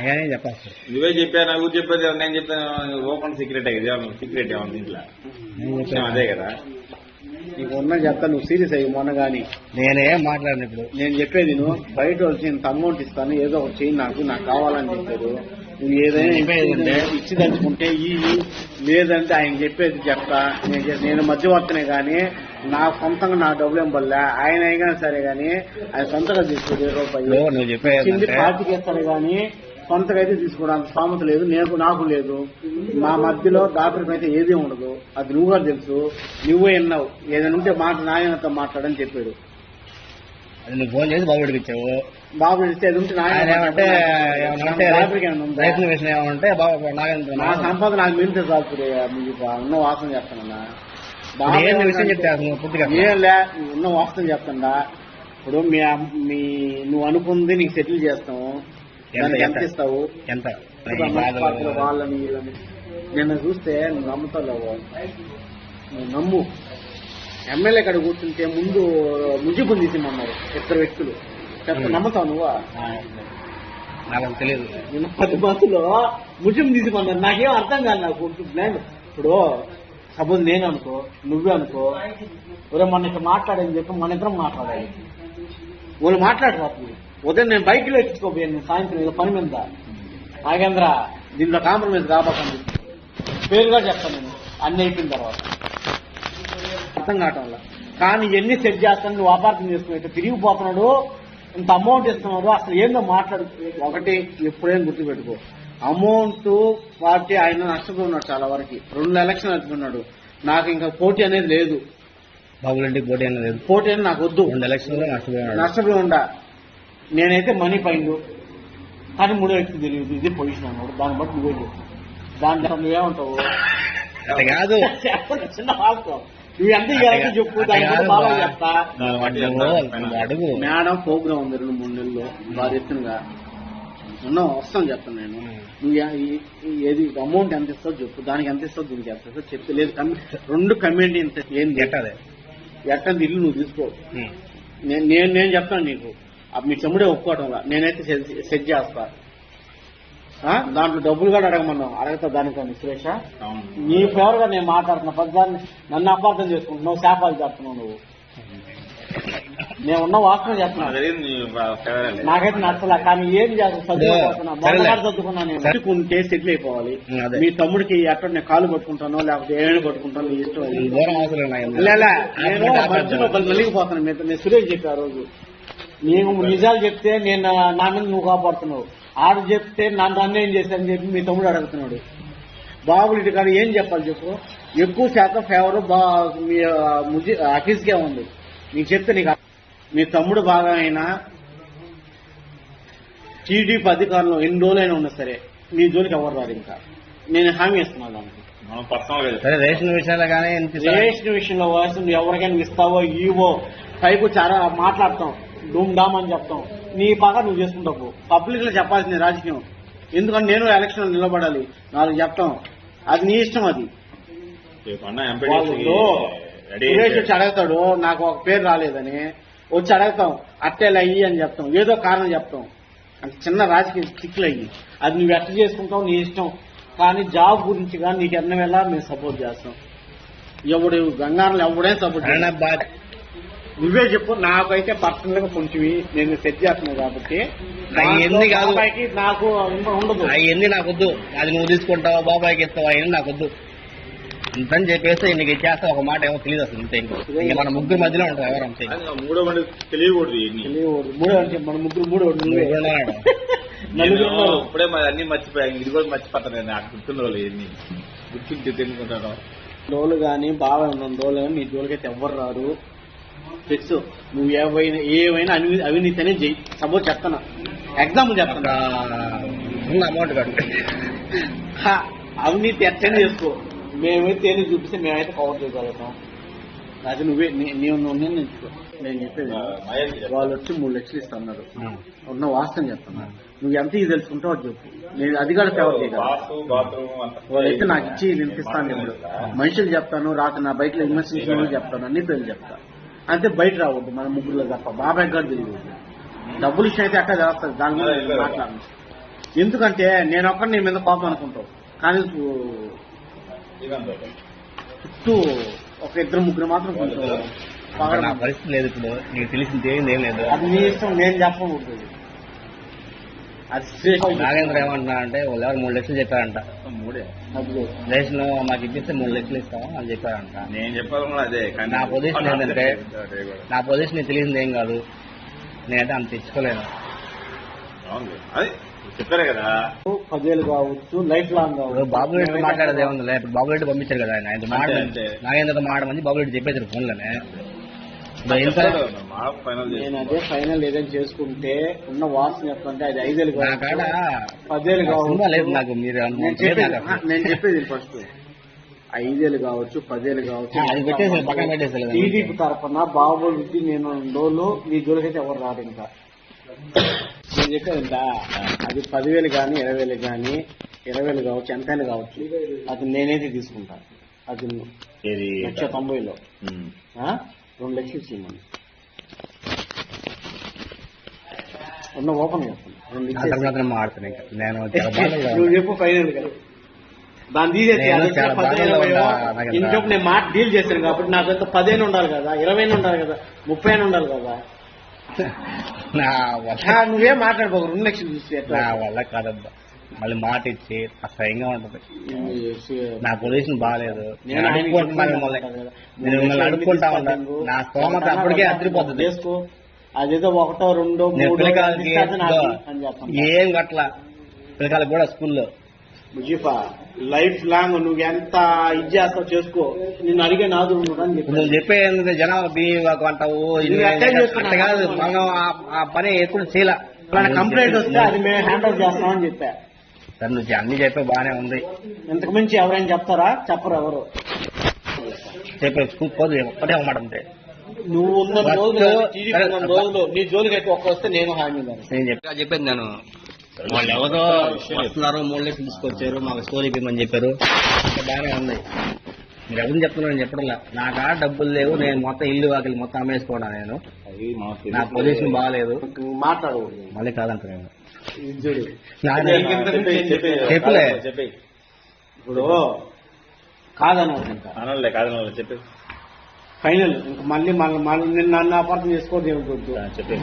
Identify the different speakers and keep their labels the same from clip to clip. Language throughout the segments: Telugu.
Speaker 1: నాకేం చెప్పాలి.
Speaker 2: నువ్వే చెప్పాను, నాకు చెప్పేది నేను చెప్పాను. ఓపెన్ సీక్రెట్ సీక్రెట్ ఏమన్నా ఇంట్లో అదే కదా.
Speaker 3: నీకు ఉన్న చెప్తా, నువ్వు సీరియస్ అయ్యి మొన్న కానీ
Speaker 1: నేనేం మాట్లాడిన ఇప్పుడు.
Speaker 3: నేను చెప్పేది నువ్వు బయట వచ్చి ఇంత అమౌంట్ ఇస్తాను, ఏదో ఒకటి చెయ్యి, నాకు కావాలని చెప్పారు. నువ్వు ఏదైనా ఇచ్చి తలుచుకుంటే లేదంటే ఆయన చెప్పేది చెప్తా. నేను మధ్యవర్తనే కానీ నా సొంతంగా నా డబ్బులు ఏం పడలే. ఆయన అయినా సరే కానీ ఆయన సొంతగా తీసుకో రూపాయి పార్టీకి ఇస్తాడు కానీ సొంతగా అయితే తీసుకోవడానికి స్థామత లేదు, నాకు లేదు. మా మధ్యలో దాపరికం అయితే ఏదీ ఉండదు. అది నువ్వు కూడా తెలుసు. నువ్వే విన్నావు. ఏదైనా ఉంటే నాయనతో మాట్లాడని చెప్పాడు.
Speaker 1: అది నువ్వు ఫోన్ చేసి బాబు ఇచ్చావు.
Speaker 3: బాబు ఇస్తే అది ఉంటే
Speaker 1: ఏమంటే
Speaker 3: నా సంపద నాకు మిగిలితే చాలు. మీకు ఉన్న వాసన చెప్తానన్నా.
Speaker 1: విషయం చెప్తా
Speaker 3: ఏం లే, ఉన్న వాసన చెప్తాడా. ఇప్పుడు నువ్వు అనుకుంది నీకు సెటిల్ చేస్తాము. ఎంత ఇస్తావు?
Speaker 1: ఎంత
Speaker 3: వాళ్ళని నిన్న చూస్తే నువ్వు నమ్ముతావు. నువ్వు నమ్ము. ఎమ్మెల్యే కాడ కూర్చుంటే ముందు ముజిబుని తీసిమన్నారు ఇద్దరు వ్యక్తులు. నమ్ముతావు నువ్వా?
Speaker 1: నాకు తెలియదు.
Speaker 3: నిన్న 10 మందిలో ముజిబు తీసిమన్నారు. నాకేం అర్థం కాదు. నాకు ఇప్పుడు సపోజ్ నేను అనుకో, నువ్వే అనుకో, ఎవరో మన ఇక్కడ మాట్లాడని చెప్పి మన ఇద్దరం మాట్లాడాలి. వాళ్ళు మాట్లాడకపోతుంది. ఉదయం నేను బైక్లో ఎక్కించుకోపోయాను. సాయంత్రం ఏదో పని మీద నాగేంద్ర దీంట్లో కాంప్రమైజ్ కాబోతుంది పేరుగా చెప్తాను నేను అన్ని అయిపోయిన తర్వాత. అర్థం కావటం వల్ల కానీ ఎన్ని సెట్ చేస్తాను. నువ్వు అపార్థం చేసుకున్నట్టు తిరిగిపోతున్నాడు. ఇంత అమౌంట్ ఇస్తున్నాడు. అసలు ఏందో మాట్లాడు. ఒకటి ఎప్పుడైనా గుర్తుపెట్టుకో, అమౌంట్ పార్టీ ఆయన నష్టపోతున్నాడు చాలా వరకు. 2 ఎలక్షన్ నడుపుకున్నాడు. నాకు ఇంకా పోటీ అనేది లేదు.
Speaker 1: బాబులంటికి పోటీ అనేది లేదు.
Speaker 3: పోటీ అనేది నాకు వద్దు.
Speaker 1: 2 ఎలక్షన్లో
Speaker 3: నష్టపోయి ఉండా. నేనైతే మనీ పైండు కానీ 3 వ్యక్తి తెలియదు. ఇది పొజిషన్ అన్నాడు. దాన్ని బట్టి నువ్వే చెప్పు. దాంట్లో నువ్వేమంటావు?
Speaker 1: కాదు
Speaker 3: చిన్న వాస్తవం. నువ్వు ఎంత చెప్పు. దాని బాగా చెప్తా.
Speaker 1: అడుగు.
Speaker 3: మేడం ప్రోగ్రామ్ ఉంది 2-3 నెలల్లో బాగా ఎత్తునగా ఉన్నావు. వస్తాను చెప్తాను నేను. నువ్వు ఏది అమౌంట్ ఎంత ఇస్తావు చెప్పు. దానికి ఎంత ఇస్తావు, దీనికి ఎంత ఇస్తావు చెప్తే. లేదు 2 కమ్యూనిటీ ఎంత ఏంది ఎట్టంది ఇల్లు నువ్వు తీసుకో. నేను చెప్తాను నీకు. మీ తమ్ముడే ఒప్పుకోవటంలా. నేనైతే సెట్ చేస్తా. దాంట్లో డబ్బులు కూడా అడగమన్నావు. అడగతా దానికని సురేష. నీ ఫేవర్ గా నేను మాట్లాడుతున్నా. పద్దాన్ని నన్ను అపార్థం చేసుకుంటున్నావు. శాపాలు చెప్తున్నావు నువ్వు. నేను ఉన్న వాసన చెప్తున్నా. నాకైతే నచ్చలే. కానీ ఏం చదువుకున్నా నేను చదువుకుంటే సెటిల్ అయిపోవాలి. మీ తమ్ముడికి ఎక్కడ నేను కాలు పట్టుకుంటానో లేకపోతే ఏమైనా పట్టుకుంటాను నీ ఇష్టం. నేను మధ్యలో మళ్ళీపోతాను. నేను సురేష్ చెప్పి ఆ రోజు నేను నిజాలు చెప్తే నేను నా మీద నువ్వు కాపాడుతున్నావు. ఆడు చెప్తే నన్ను అన్యాయం చేశానని చెప్పి మీ తమ్ముడు అడుగుతున్నాడు. బాబులు ఇటు కాదు ఏం చెప్పాలి చెప్పు. ఎక్కువ శాతం ఫేవర్ మీ అఫీస్కే ఉంది. నీకు చెప్తే నీకు మీ తమ్ముడు బాగా అయినా టీడీపీ అధికారంలో ఎన్ని రోజులైనా ఉన్నా సరే నీ జోలికి ఎవరు రాదు. ఇంకా నేను హామీ ఇస్తున్నాను దానికి.
Speaker 1: రేషన్ విషయంలో కానీ
Speaker 3: రేషన్ విషయంలో నువ్వు ఎవరికైనా ఇస్తావో ఇవో పైపు చాలా మాట్లాడతాం. డూమ్ డామ్ అని చెప్తాం. నీ బాగా నువ్వు చేసుకుంటావు. పబ్లిక్ లో చెప్పాల్సింది రాజకీయం. ఎందుకంటే నేను ఎలక్షన్ నిలబడాలి. 4 చెప్తాం. అది నీ ఇష్టం. అది సురేష్ వచ్చి అడుగుతాడు నాకు ఒక పేరు రాలేదని. వచ్చి అడుగుతాం అట్టేలా అయ్యి అని చెప్తాం. ఏదో కారణం చెప్తాం. అంటే చిన్న రాజకీయ చిక్కులు అయ్యి అది నువ్వు ఎట్ట చేసుకుంటావు నీ ఇష్టం. కానీ జాబ్ గురించి కానీ నీకు ఎన్న వేళ మేము సపోర్ట్ చేస్తాం. ఎవడు గంగారంలో ఎవడైనా సపోర్ట్ చేస్తాం. నువ్వే చెప్పు. నాకైతే పర్సనల్ గా కొంచెం నేను సెట్ చేస్తున్నావు కాబట్టి నాకు ఉండదు.
Speaker 1: అవన్నీ నాకు వద్దు. అది నువ్వు తీసుకుంటావా బాబాయ్కి ఇస్తావా అవన్నీ నాకు వద్దు. అంతని చెప్పేస్తే నీకు ఇచ్చేస్తా ఒక మాట ఏమో తెలియదు అసలు. ఇంతే ఇంకా మన ముగ్గురు మధ్యలో ఉంటారు. ఎవరు అంతే
Speaker 2: తెలియకూడదు.
Speaker 3: మన ముగ్గురు నలుగురు
Speaker 2: ఇప్పుడే అన్ని మర్చిపోయాను. ఇది కూడా మర్చిపోతాను. నాకు గుర్తున్న వాళ్ళు ఎన్ని గుర్తుంటే తెలుసుకుంటాను.
Speaker 3: రోజులు కానీ బాగా ఉన్న రోజులు కానీ నీ జోలికైతే ఎవ్వరు రారు. ఫిక్స్. నువ్వు ఏమైనా అవినీతి అనేది చెయ్యి. సపోజ్ చెప్తాను. ఎగ్జాంపుల్ చెప్తాను.
Speaker 1: అమౌంట్ కాదు
Speaker 3: అవినీతి ఎట్టని చేసుకో. మేమైతే ఏది చూపిస్తే మేమైతే కవర్ చేయగలుగుతాం. అది నువ్వే నేను చెప్పేది. వాళ్ళు వచ్చి 3 లక్షలు ఇస్తున్నారు. ఉన్న వాస్తవం చెప్తున్నారు. నువ్వు ఎంత ఇది తెలుసుకుంటావు అది చెప్పు. నేను అది కూడా ఫేవర్ చేయగలను. వాళ్ళైతే నాకు ఇచ్చి వినిపిస్తాను. ఇప్పుడు మనుషులు చెప్తాను. రాక నా బయటలో ఇన్వెస్టిగేషన్ చెప్తాను. అన్ని పేర్లు చెప్తాను. అంతే బయట రావద్దు. మన ముగ్గురులో తప్ప బాబాయ్ గారు తెలియదు. డబ్బులు ఇష్టం అయితే అక్కడ చేస్తారు. దాని మీద మాట్లాడను. ఎందుకంటే నేను ఒక్కడి నీ మీద కోపం అనుకుంటావు, కానీ చుట్టూ ఒక ఇద్దరు ముగ్గురు మాత్రం కొంచెం
Speaker 1: నా పరిస్థితి లేదు ఇప్పుడు, నీకు తెలిసింది ఏం లేదు.
Speaker 3: అది నీ ఇష్టం, నేను చెప్పకూడదు. అది
Speaker 1: నాగేంద్ర ఏమంటున్నా అంటే వాళ్ళు ఎవరు 3 లక్షలు చెప్పారంట.
Speaker 2: 3
Speaker 1: రేషన్ మాకు ఇప్పిస్తే 3 లక్షలు ఇస్తాం అని చెప్పారంట.
Speaker 2: నేను చెప్పాలి కూడా అదే.
Speaker 1: నా పొజిషన్ ఏంటంటే, నా పొజిషన్ నీకు తెలిసింది ఏం కాదు, నేనైతే అంత తెచ్చుకోలేను.
Speaker 2: అది చెప్పారే కదా,
Speaker 3: 10,000 కావచ్చు, లైఫ్ లాంగ్ కావచ్చు.
Speaker 1: బాబు రెడ్డి మాట్లాడేది ఏముంది, ఇప్పుడు బాబు రెడ్డి పంపించారు కదా ఆయన, ఆయన మాట నాగేంద్రతో మాడమని బాబు రెడ్డి చెప్పేసారు ఫోన్లోనే.
Speaker 3: నేను అదే ఫైనల్ ఏదైనా చేసుకుంటే ఉన్న వాసన ఎట్లంటే అది 5,000
Speaker 1: నా కాడ
Speaker 3: 10,000 కావచ్చు.
Speaker 1: లేదు నాకు, మీరు
Speaker 3: నేను చెప్పేది ఫస్ట్ 5,000 కావచ్చు, 10,000 కావచ్చు.
Speaker 1: అది పెట్టేసి పక్కన పెట్టేసి
Speaker 3: టీడీపీ తరఫున బాబు రెడ్డి నేను డోలు మీ జోలికైతే ఎవరు రాదు. ఇంకా నేను చెప్పేదంట, అది 10,000 కానీ 20,000 కానీ 20,000 కావచ్చు, ఎంతైనా కావచ్చు, అది నేనైతే తీసుకుంటాను. అది 1,90,000లో 2 లక్షలు ఇచ్చేయమని ఉన్న ఓపెన్ చేస్తాను.
Speaker 1: మాడుతున్నాను ఇంకా నేను
Speaker 3: నువ్వు చెప్పు ఫైనల్ గా దాన్ని తీసేసి ఇంకొక నేను మాట డీల్ చేశాను కాబట్టి నాకు ఎంత 10 ఉండాలి కదా, 20 ఉండాలి కదా, 30 ఉండాలి కదా. నువ్వేం మాట్లాడుకోకు, 2 లక్షలు చూసి
Speaker 1: నా వల్ల కాదబ్బా, మళ్ళీ మాట ఇచ్చి అసహ్యంగా ఉంటుంది. నా పొజిషన్ బాగాలేదు, నేను మిమ్మల్ని అడుక్కుంటా ఉంటాను. నా స్తోమత అప్పటికే అదిరిపోతుంది.
Speaker 3: చేసుకో, అదేదో 1, 2, 3
Speaker 1: ఏం గట్ల పిల్లకాయలు కూడా స్కూల్లో
Speaker 3: ముజీఫా లైఫ్ లాంగ్ నువ్వు ఎంత ఇది చేస్తావు చేసుకో, నిన్ను అడిగే నాదు
Speaker 1: నువ్వు చెప్పేది జనాలు బియ్యం అంటావు కాదు. మనం ఆ పని ఎప్పుడు చేయలే.
Speaker 3: కంప్లైంట్ వస్తే అది మేము హ్యాండ్ ఓవర్ చేస్తామని చెప్పా.
Speaker 1: సరే నువ్వు అన్ని చెప్పే బాగానే ఉంది,
Speaker 3: ఇంతకు మించి ఎవరైనా చెప్తారా? చెప్పరు ఎవరు.
Speaker 1: చెప్పే స్కూల్ పోదు ఒక్కటే అన్నమాట ఉంటే
Speaker 3: నువ్వు ఉన్న రోజులు నీ జోలికి అయితే ఒక్క వస్తే నేను హామీ
Speaker 1: నేను చెప్పేది. నేను వాళ్ళు ఎవరో వస్తున్నారు 3 లక్షలు తీసుకొచ్చారు మాకు స్టోరీ ఇవ్వమని చెప్పారు, బాగానే ఉంది. మీరు ఎవరిని చెప్తున్నారని చెప్పడంలా, నా కాడ డబ్బులు లేవు, నేను మొత్తం ఇల్లు వాకిలి మొత్తం అమ్మేసుకోవడా, నేను నా పొజిషన్ బాగాలేదు,
Speaker 3: మాట్లాడకూడదు.
Speaker 1: మళ్ళీ కాదంట నేను
Speaker 3: చెప్పలే. ఇప్పుడు కాదనలే
Speaker 2: కాదనలే చెప్పి
Speaker 3: ఫైనల్ ఇంకా మళ్ళీ మళ్ళీ నిన్న నన్ను అపార్థం చేసుకోవద్దు ఏమిటొద్దు
Speaker 2: చెప్పి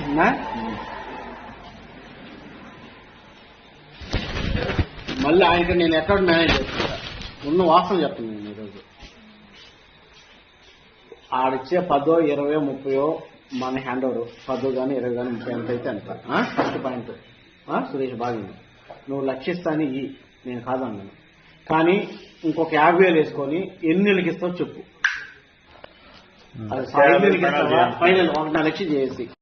Speaker 3: మళ్ళీ ఆయనకి నేను ఎక్కడ మేనేజ్ చేసుకుంటా. ఉన్న వాస్తవం చెప్తాను నేను ఈరోజు. ఆడిచ్చే 10, 20, 30 మన హ్యాండ్ ఓవర్ 10 కానీ 20 కానీ 30 ఎంత అయితే అంత. ఫస్ట్ పాయింట్ సురేష్ బాగుంది, నువ్వు లక్షిస్తాని నేను కాదన్నాను, కానీ ఇంకొక 50,000 వేసుకొని ఎన్ని నెలలకి ఇస్తావు చెప్పు. అది ఫైనల్ 1 లక్ష చేసి